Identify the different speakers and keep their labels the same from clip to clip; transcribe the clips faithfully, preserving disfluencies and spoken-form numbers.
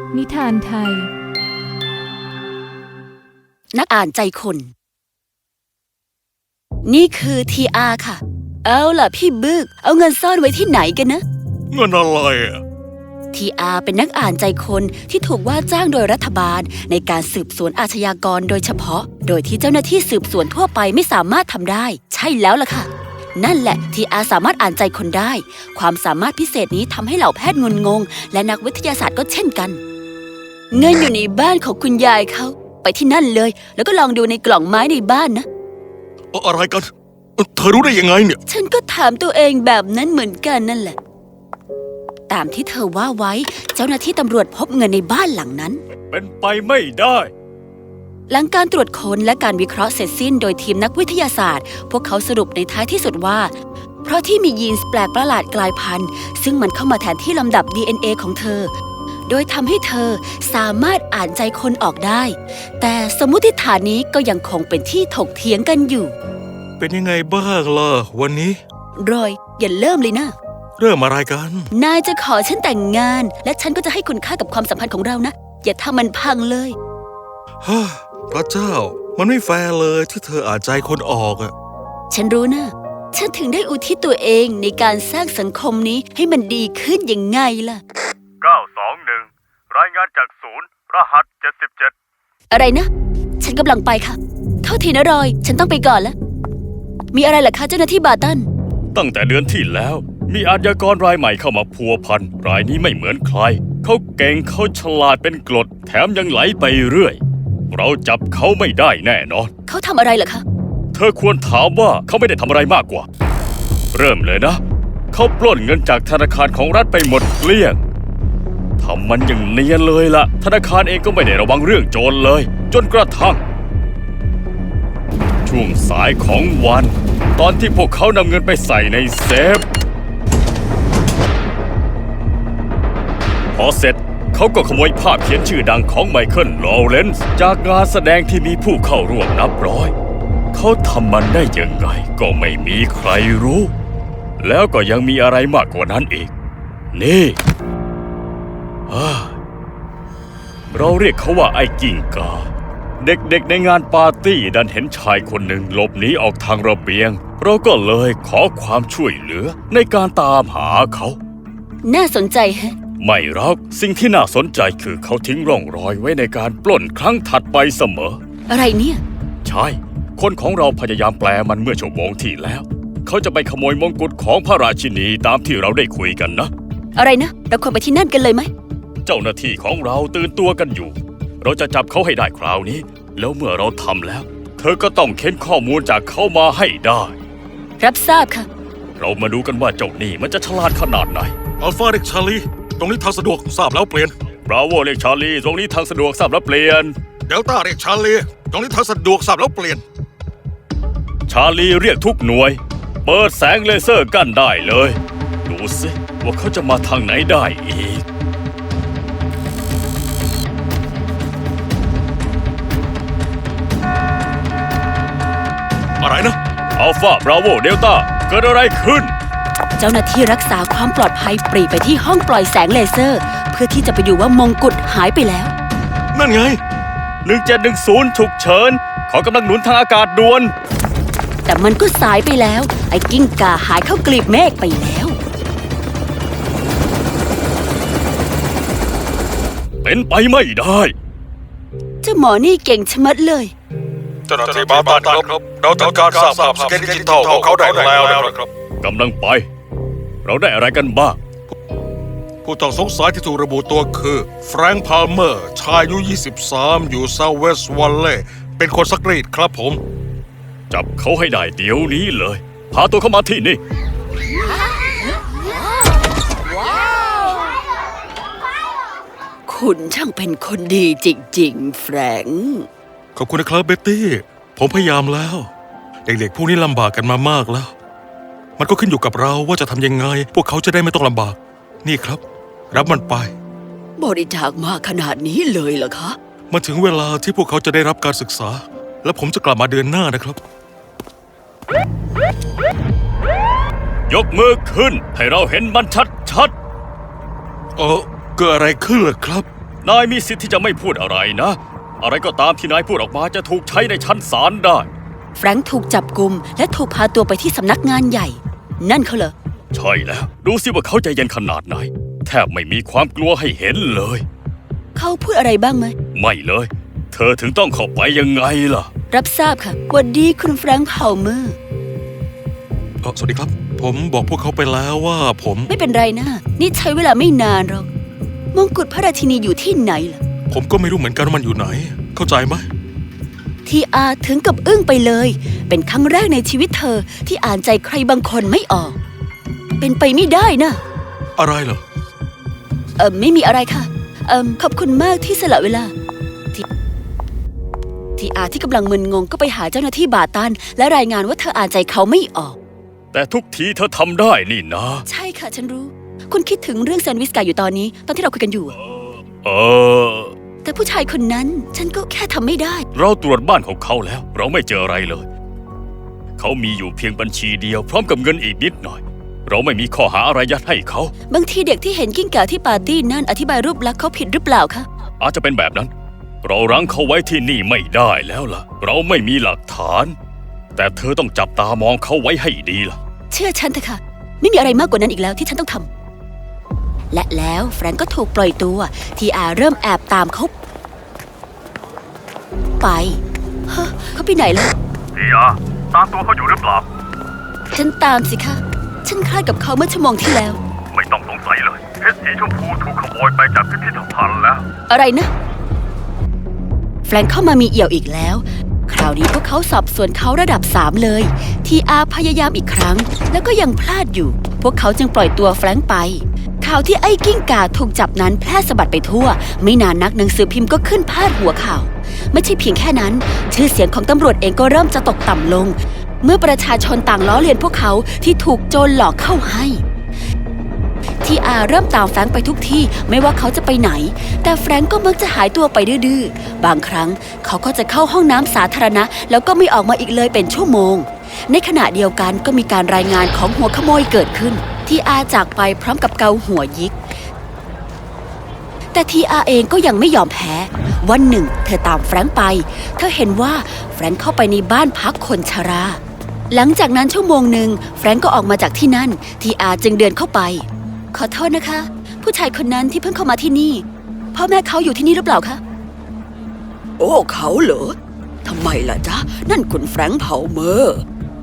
Speaker 1: นิทานไทย
Speaker 2: นักอ่านใจคน นี่คือ ที อาร์ ค่ะเอาล่ะพี่บึกเอาเงินซ่อนไว้ที่ไหนกันนะ
Speaker 3: เงินอะไรอ่ะ
Speaker 2: ที อาร์ เป็นนักอ่านใจคนที่ถูกว่าจ้างโดยรัฐบาลในการสืบสวนอาชญากรโดยเฉพาะโดยที่เจ้าหน้าที่สืบสวนทั่วไปไม่สามารถทำได้ใช่แล้วล่ะค่ะนั่นแหละ ที อาร์ สามารถอ่านใจคนได้ความสามารถพิเศษนี้ทำให้เหล่าแพทย์งุนงงและนักวิทยาศาสตร์ก็เช่นกันเงินอยู่ในบ้านของคุณยายเขาไปที่นั่นเลยแล้วก็ลองดูในกล่องไม้ในบ้านนะ
Speaker 3: อะไรกันเธอรู้ได้ยังไงเนี่ย
Speaker 2: ฉันก็ถามตัวเองแบบนั้นเหมือนกันนั่นแหละตามที่เธอว่าไว้เจ้าหน้าที่ตำรวจพบเงินในบ้านหลังนั้น
Speaker 3: เป็นไปไม่ได้
Speaker 2: หลังการตรวจค้นและการวิเคราะห์เสร็จสิ้นโดยทีมนักวิทยาศาสตร์พวกเขาสรุปในท้ายที่สุดว่าเพราะที่มียีนส์แปลกประหลาดกลายพันธุ์ซึ่งมันเข้ามาแทนที่ลำดับ ดี เอ็น เอ ของเธอโดยทำให้เธอสามารถอ่านใจคนออกได้แต่สมมุติฐานนี้ก็ยังคงเป็นที่ถกเถียงกันอยู่
Speaker 3: เป็นยังไงบ้างล่ะวันนี้
Speaker 2: รอยอย่าเริ่มเลยนะ
Speaker 3: เริ่มอะไรกัน
Speaker 2: นายจะขอฉันแต่งงานและฉันก็จะให้คุณค่ากับความสัมพันธ์ของเรานะอย่าทำมันพังเลย
Speaker 3: ฮ่าพระเจ้ามันไม่แฟร์เลยที่เธออ่านใจคนออกอะ
Speaker 2: ฉันรู้นะฉันถึงได้อุทิศตัวเองในการสร้างสังคมนี้ให้มันดีขึ้นยังไงล่ะ
Speaker 4: เก้าสองหนึ่งรายงานจากศูนย์รหัสเจ็ดสิบเจ็ด
Speaker 2: อะไรนะฉันกำลังไปค่ะโทษทีนะรอยฉันต้องไปก่อนแล้วมีอะไรล่ะคะเจ้าหน้าที่บาตัน
Speaker 4: ตั้งแต่เดือนที่แล้วมีอาชญากรรายใหม่เข้ามาพัวพันรายนี้ไม่เหมือนใครเขาเก่งเขาฉลาดเป็นกรดแถมยังไหลไปเรื่อยเราจับเขาไม่ได้แน่นอน
Speaker 2: เขาทำอะไรล่ะคะ
Speaker 4: เธอควรถามว่าเขาไม่ได้ทำอะไรมากกว่าเริ่มเลยนะเขาปล้นเงินจากธนาคารของรัฐไปหมดเกลี้ยงทำมันอย่างเนียนเลยล่ะธนาคารเองก็ไม่ได้ระวังเรื่องโจรเลยจนกระทั่งช่วงสายของวันตอนที่พวกเขานำเงินไปใส่ในเซฟพอเสร็จเขาก็ขโมยภาพเขียนชื่อดังของไมเคิล ลอเรนซ์จากงานแสดงที่มีผู้เข้าร่วมนับร้อยเขาทำมันได้ยังไงก็ไม่มีใครรู้แล้วก็ยังมีอะไรมากกว่านั้นอีกนี่เราเรียกเขาว่าไอ้กิ้งก่าเด็กๆในงานปาร์ตี้ดันเห็นชายคนหนึ่งหลบหนีออกทางระเบียงเราก็เลยขอความช่วยเหลือในการตามหาเขา
Speaker 2: น่าสนใจแฮะ
Speaker 4: ไม่หรอกสิ่งที่น่าสนใจคือเขาทิ้งร่องรอยไว้ในการปล้นครั้งถัดไปเสมอ
Speaker 2: อะไรเนี่ย
Speaker 4: ใช่คนของเราพยายามแปลมันเมื่อชั่วโมงที่แล้วเขาจะไปขโมยมงกุฎของพระราชินีตามที่เราได้คุยกันนะ
Speaker 2: อะไรนะเราควรไปที่นั่นกันเลยไหม
Speaker 4: เจ้าหน้าที่ของเราตื่นตัวกันอยู่เราจะจับเขาให้ได้คราวนี้แล้วเมื่อเราทำแล้วเธอก็ต้องเค้นข้อมูลจากเขามาให้ได้
Speaker 2: รับทราบค่ะ
Speaker 4: เรามาดูกันว่าเจ้านี่มันจะฉลาดขนาดไหน
Speaker 3: อัลฟาเรียกชาลีตรงนี้ทางสะดวกทราบแล้วเปลี่ยน
Speaker 4: บราโวเรียกชาลีตรงนี้ทางสะดวกทราบแล้วเปลี่ยน
Speaker 3: เดลต้าเรียกชาลีตรงนี้ทางสะดวกทราบแล้วเปลี่ยน
Speaker 4: ชาลีเรียกทุกหน่วยเปิดแสงเลเซอร์กั้นได้เลยดูสิว่าเขาจะมาทางไหนได้อีก
Speaker 3: อะไรนะ
Speaker 4: อัลฟาบราโวเดลต้าเกิดอะไรขึ้น
Speaker 2: เจ้าหน้าที่รักษาความปลอดภัยปรีไปที่ห้องปล่อยแสงเลเซอร์เพื่อที่จะไปดูว่ามงกุฎหายไปแล้ว
Speaker 3: นั่นไง
Speaker 4: หนึ่งเจ็ดหนึ่งศูนย์ฉุกเฉินขอกำลังหนุนทางอากาศด่วน
Speaker 2: แต่มันก็สายไปแล้วไอ้กิ้งก่าหายเข้ากลีบเมฆไปแล้ว
Speaker 4: เป็นไปไม่ได้
Speaker 2: เจ้าหมอนี่เก่งชะมัดเลย
Speaker 3: เจ้าหน้าที่บาตันครับเราทำการสร้างภาพสแกนดิจิทัลของเขาได้แล้วนะครับ
Speaker 4: กำลังไปเราได้อะไรกันบ้าง
Speaker 3: ผู้ต้องสงสัยที่ถูกระบุตัวคือแฟรงค์ พาลเมอร์ชายอายุยี่สิบสามอยู่เซาท์เวสต์วัลเลย์เป็นคนซักรีดครับผม
Speaker 4: จับเขาให้ได้เดี๋ยวนี้เลยพาตัวเข้ามาที่นี่
Speaker 2: คุณช่างเป็นคนดีจริงๆแฟรงค์
Speaker 3: ขอบคุณนะครับเบ็ตตี้ผมพยายามแล้วเด็กๆพวกนี้ลำบากกันมามากแล้วมันก็ขึ้นอยู่กับเราว่าจะทำยังไงพวกเขาจะได้ไม่ต้องลำบากนี่ครับรับมันไป
Speaker 2: บริจาคมากขนาดนี้เลยเหรอคะ
Speaker 3: มาถึงเวลาที่พวกเขาจะได้รับการศึกษาและผมจะกลับมาเดือนหน้านะครับ
Speaker 4: ยกมือขึ้นให้เราเห็นมันชัดๆ
Speaker 3: เออเกิดอะไรขึ้นล่ะครับ
Speaker 4: นายมีสิทธิ์ที่จะไม่พูดอะไรนะ อะไรก็ตามที่นายพูดออกมาจะถูกใช้ในชั้นศาลได้
Speaker 2: แฟรงค์ถูกจับกุมและถูกพาตัวไปที่สำนักงานใหญ่ นั่นเขาเหรอ
Speaker 4: ใช่แล้ว ดูสิว่าเขาใจเย็นขนาดไหน แทบไม่มีความกลัวให้เห็นเลย
Speaker 2: เขาพูดอะไรบ้างไหม
Speaker 4: ไม่เลย เธอถึงต้องเข้าไปยังไงล่ะ
Speaker 2: รับทราบค่ะหวัดดีคุณแฟรงค์เผาเมอร์
Speaker 3: เอ่อสวัสดีครับ ผมบอกพวกเขาไปแล้วว่าผม
Speaker 2: ไม่เป็นไรนะ นี่ใช้เวลาไม่นานหรอก มงกุฎพระราชินีอยู่ที่ไหนล่ะ
Speaker 3: ผมก็ไม่รู้เหมือนกันว่ามันอยู่ไหน เข้าใจไหม
Speaker 2: ทีอาถึงกับอึ้งไปเลย เป็นครั้งแรกในชีวิตเธอที่อ่านใจใครบางคนไม่ออก เป็นไปไม่ได้นะ
Speaker 3: อะไรเหรอ
Speaker 2: เออไม่มีอะไรค่ะ เออขอบคุณมากที่สละเวลา ทีทีอาที่กำลังมึนงงก็ไปหาเจ้าหน้าที่บาตันและรายงานว่าเธออ่านใจเขาไม่ออก
Speaker 4: แต่ทุกทีเธอทำได้นี่นะ
Speaker 2: ใช่ค่ะฉันรู้ คุณคิดถึงเรื่องแซนด์วิชไก่อยู่ตอนนี้ ตอนที่เราคุยกันอยู่อะ
Speaker 4: เออ
Speaker 2: แต่ผู้ชายคนนั้นฉันก็แค่ทำไม่ได้
Speaker 4: เราตรวจบ้านของเขาแล้ว เราไม่เจออะไรเลย เขามีอยู่เพียงบัญชีเดียวพร้อมกับเงินอีกนิดหน่อย เราไม่มีข้อหาอะไรยัดให้เขา
Speaker 2: บางทีเด็กที่เห็นกิ้งก่าที่ปาร์ตี้นั่นอธิบายรูปลักษณ์เขาผิดหรือเปล่าคะ
Speaker 4: อาจจะเป็นแบบนั้น เรารั้งเขาไว้ที่นี่ไม่ได้แล้วล่ะ เราไม่มีหลักฐาน แต่เธอต้องจับตามองเขาไว้ให้ดีล่ะ
Speaker 2: เชื่อฉันเถอะค่ะ ไม่มีอะไรมากกว่านั้นอีกแล้วที่ฉันต้องทำและแล้วแฟรงก์ก็ถูกปล่อยตัว ทีอาเริ่มแอบตามเขาไปเฮ้อเขาไปไหนแล้ว
Speaker 4: ทีอาตามตัวเขาอยู่หรือเปล่า
Speaker 2: ฉันตามสิคะฉันคลาดกับเขาเมื่อชั่วโมงที่แล้ว
Speaker 4: ไม่ต้องสงสัยเลยเพชรสีชมพูถูกขโมยไปจากพิพิธภัณฑ์แล้ว
Speaker 2: อะไรนะ แฟรงก์เข้ามามีเอี่ยวอีกแล้ว คราวนี้พวกเขาสอบสวนเขาระดับสามเลย ทีอาพยายามอีกครั้ง แล้วก็ยังพลาดอยู่ พวกเขาจึงปล่อยตัวแฟรงก์ไป ข่าวที่ไอ้กิ้งก่าถูกจับนั้นแพร่สะบัดไปทั่ว ไม่นานนักหนังสือพิมพ์ก็ขึ้นพาดหัวข่าว ไม่ใช่เพียงแค่นั้น ชื่อเสียงของตำรวจเองก็เริ่มจะตกต่ำลง เมื่อประชาชนต่างล้อเลียนพวกเขาที่ถูกโจรหลอกเข้าให้ ทีอาเริ่มตามแฟรงค์ไปทุกที่ไม่ว่าเขาจะไปไหน แต่แฟรงค์ก็มักจะหายตัวไปดื้อๆบางครั้งเขาก็จะเข้าห้องน้ำสาธารณะแล้วก็ไม่ออกมาอีกเลยเป็นชั่วโมง ในขณะเดียวกันก็มีการรายงานของหัวขโมยเกิดขึ้น ทีอาจากไปพร้อมกับเกาหัวยิก แต่ทีอาเองก็ยังไม่ยอมแพ้วันหนึ่งเธอตามแฟรงค์ไปเธอเห็นว่าแฟรงค์เข้าไปในบ้านพักคนชราหลังจากนั้นชั่วโมงหนึ่งแฟรงค์ก็ออกมาจากที่นั่นทีอาจึงเดินเข้าไปขอโทษนะคะ ผู้ชายคนนั้นที่เพิ่งเข้ามาที่นี่พ่อแม่เขาอยู่ที่นี่หรือเปล่าคะโอ้เขาเหรอทำไมล่ะจ๊ะนั่นคุณแฟรงค์เผาเมอร์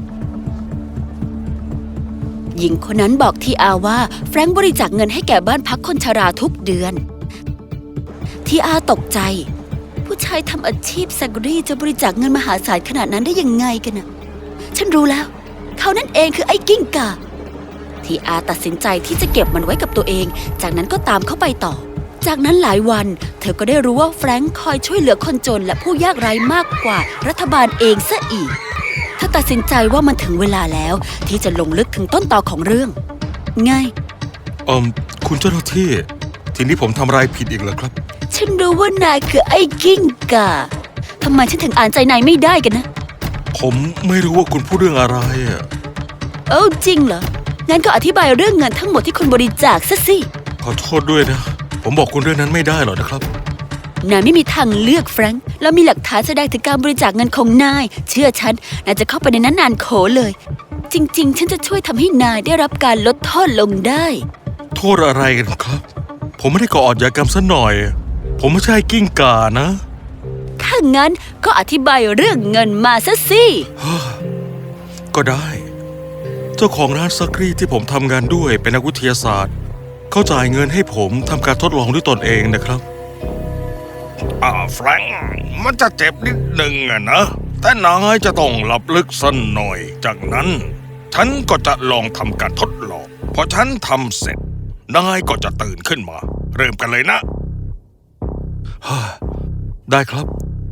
Speaker 2: หญิงคนนั้นบอกทีอาว่าแฟรงค์บริจาคเงินให้แก่บ้านพักคนชราทุกเดือนทีอาตกใจผู้ชายทำอาชีพแซกรี่จะบริจาคเงินมหาศาลขนาดนั้นได้ยังไงกันน่ะฉันรู้แล้วเขานั่นเองคือไอ้กิ้งก่าทีอาตัดสินใจที่จะเก็บมันไว้กับตัวเองจากนั้นก็ตามเข้าไปต่อจากนั้นหลายวันเธอก็ได้รู้ว่าแฟรงค์คอยช่วยเหลือคนจนและผู้ยากไร้มากกว่ารัฐบาลเองซะอีกเธอตัดสินใจว่ามันถึงเวลาแล้วที่จะลงลึกถึงต้นตอของเรื่องไง
Speaker 3: เอ่อคุณเจ้าหน้าที่ ทีนี้ผมทำอะไรผิดอีกเหรอครับ
Speaker 2: ฉันรู้ว่านายคือไอ้กิ้งก่าทำไมฉันถึงอ่านใจนายไม่ได้กันนะ
Speaker 3: ผมไม่รู้ว่าคุณพูดเรื่องอะไรอะ
Speaker 2: เอ้าจริงเหรอ งั้นก็อธิบายเรื่องเงินทั้งหมดที่คุณบริจาคซะสิ
Speaker 3: ขอโทษด้วยนะ ผมบอกคุณเรื่องนั้นไม่ได้หรอกนะครับ
Speaker 2: นายไม่มีทางเลือกแฟรงค์แล้วมีหลักฐานแสดงถึงการบริจาคเงินของนาย เชื่อฉัน นายจะเข้าไปในนั้นนานโขเลย จริงๆ ฉันจะช่วยทำให้นายได้รับการลดโทษลงได้
Speaker 3: โทษอะไรกันครับ ผมไม่ได้ก่ออาชญากรรมซะหน่อย ผมไม่ใช่กิ้งก่านะ
Speaker 2: ถ้างั้นก็อธิบายเรื่องเงินมาซะสิ
Speaker 3: ก็ได้ เจ้าของร้านซักรีดที่ผมทำงานด้วยเป็นนักวิทยาศาสตร์ เขาจ่ายเงินให้ผมทำการทดลองด้วยตนเองนะครับอ่าแฟรงค์มันจะเจ็บนิดหนึ่งอะนะ แต่นายจะต้องหลับลึกสักหน่อย จากนั้น ฉันก็จะลองทำการทดลอง พอฉันทำเสร็จ นายก็จะตื่นขึ้นมา เริ่มกันเลยนะ ได้ครับ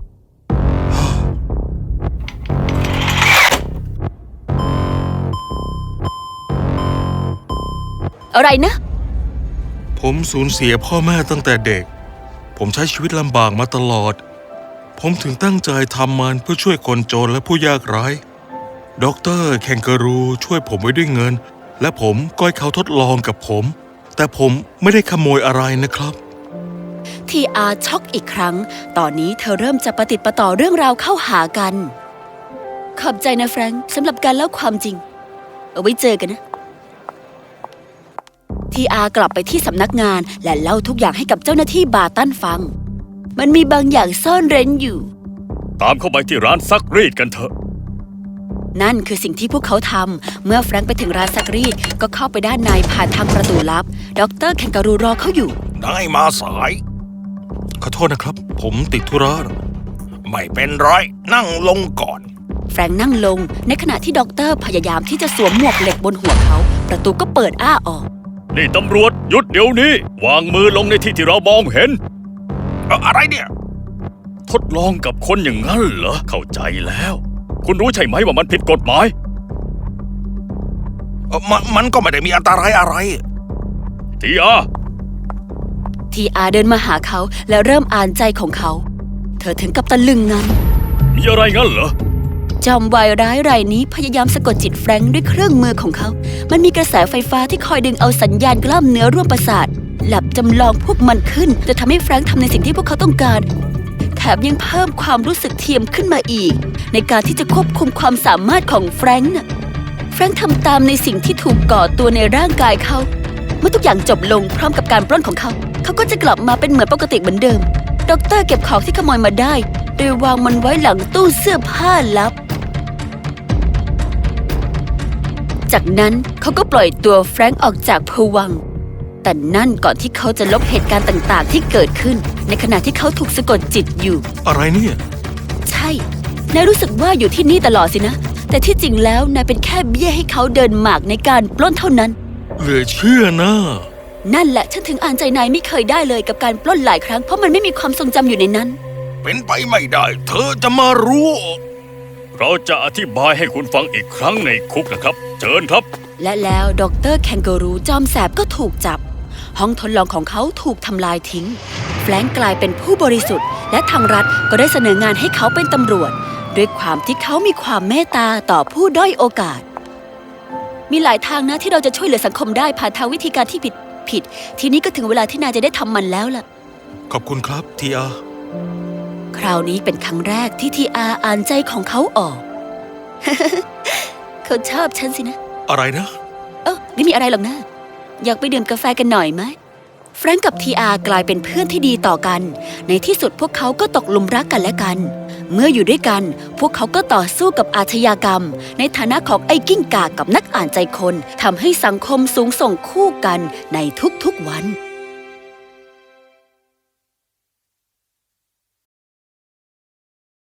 Speaker 2: อะไรนะ
Speaker 3: ผมสูญเสียพ่อแม่ตั้งแต่เด็ก ผมใช้ชีวิตลำบากมาตลอด ผมถึงตั้งใจทำมันเพื่อช่วยคนจนและผู้ยากไร้ด็อกเตอร์แคนการูช่วยผมไว้ด้วยเงิน และผมก็ให้เขาทดลองกับผม แต่ผมไม่ได้ขโมยอะไรนะครับ
Speaker 2: ทีอาช็อกอีกครั้งตอนนี้เธอเริ่มจะประติดประต่อเรื่องราวเข้าหากันขอบใจนะแฟรงค์สำหรับการเล่าความจริงเอาไว้เจอกันนะทีอากลับไปที่สำนักงานและเล่าทุกอย่างให้กับเจ้าหน้าที่บาตันฟังมันมีบางอย่างซ่อนเร้นอยู่
Speaker 4: ตามเข้าไปที่ร้านซักรีดกันเถอะ
Speaker 2: นั่นคือสิ่งที่พวกเขาทำเมื่อแฟรงค์ไปถึงร้านซักรีดก็เข้าไปด้านในผ่านทางประตูลับดรแคนการูรอเขาอยู่
Speaker 1: ได้มาสาย
Speaker 3: ขอโทษนะครับ ผมติดธุระ
Speaker 1: ไม่เป็นไรนั่งลงก่อน
Speaker 2: แฟรงค์นั่งลงในขณะที่ด็อกเตอร์พยายามที่จะสวมหมวกเหล็กบนหัวเขาประตูก็เปิดอ้าออก
Speaker 4: นี่ตำรวจหยุดเดี๋ยวนี้ วางมือลงในที่ที่เรามองเห็น
Speaker 1: เอ่ออะไรเนี่ย
Speaker 4: ทดลองกับคนอย่างนั้นเหรอ เข้าใจแล้ว คุณรู้ใช่ไหมว่ามันผิดกฎหมาย
Speaker 1: เอ่อมันมันก็ไม่ได้มีอันตรายอะไร
Speaker 4: ทีอา
Speaker 2: ทีอาเดินมาหาเขาและเริ่มอ่านใจของเขาเธอถึงกับตะลึงงัน
Speaker 4: มีอะไรงั้นเหรอ
Speaker 2: จอมวายร้ายรายนี้พยายามสะกดจิตแฟรงค์ด้วยเครื่องมือของเขามันมีกระแสไฟฟ้าที่คอยดึงเอาสัญญาณกล้ามเนื้อร่วมประสาทหลับจำลองพวกมันขึ้นจะทำให้แฟรงค์ทำในสิ่งที่พวกเขาต้องการแถมยังเพิ่มความรู้สึกเทียมขึ้นมาอีกในการที่จะควบคุมความสามารถของแฟรงค์น่ะแฟรงค์ทำตามในสิ่งที่ถูกก่อตัวในร่างกายเขาเมื่อทุกอย่างจบลงพร้อมกับการปล้นของเขาเขาก็จะกลับมาเป็นเหมือนปกติเหมือนเดิมด็อกเตอร์เก็บของที่ขโมยมาได้โดยวางมันไว้หลังตู้เสื้อผ้าลับจากนั้นเขาก็ปล่อยตัวแฟรงค์ออกจากภวังค์แต่นั่นก่อนที่เขาจะลบเหตุการณ์ต่างๆที่เกิดขึ้นในขณะที่เขาถูกสะกดจิตอยู่
Speaker 3: อะไรเนี่ย
Speaker 2: ใช่นายรู้สึกว่าอยู่ที่นี่ตลอดสินะแต่ที่จริงแล้วนายเป็นแค่เบี้ยให้เขาเดินหมากในการปล้นเท่านั้น
Speaker 3: เหลือเชื่อนะ
Speaker 2: นั่นแหละฉันถึงอ่านใจนายไม่เคยได้เลยกับการปล้นหลายครั้งเพราะมันไม่มีความทรงจำอยู่ในนั้น
Speaker 1: เป็นไปไม่ได้ เธอจะมารู้
Speaker 4: เราจะอธิบายให้คุณฟังอีกครั้งในคุกนะครับ เชิญครับ
Speaker 2: และแล้วดรแคนการูจอมแสบก็ถูกจับห้องทดลองของเขาถูกทำลายทิ้งแฟรงค์กลายเป็นผู้บริสุทธิ์และทางรัฐก็ได้เสนองานให้เขาเป็นตำรวจด้วยความที่เขามีความเมตตาต่อผู้ด้อยโอกาสมีหลายทางนะที่เราจะช่วยเหลือสังคมได้ผ่านทางวิธีการที่ผิดผิดทีนี้ก็ถึงเวลาที่นายจะได้ทำมันแล้วล่ะ
Speaker 3: ขอบคุณครับทีอา
Speaker 2: คราวนี้เป็นครั้งแรกที่ทีอาอ่านใจของเขาออก เขาชอบฉันสินะ
Speaker 3: อะไรนะ
Speaker 2: เออไม่มีอะไรหรอกนะอยากไปดื่มกาแฟกันหน่อยไหมแฟรงก์กับทีอากลายเป็นเพื่อนที่ดีต่อกันในที่สุดพวกเขาก็ตกหลุมรักกันและกันเมื่ออยู่ด้วยกันพวกเขาก็ต่อสู้กับอาชญากรรมในฐานะของไอ้กิ้งก่ากับนักอ่านใจคนทำให้สังคมสูงส่งคู่กันในทุกๆวัน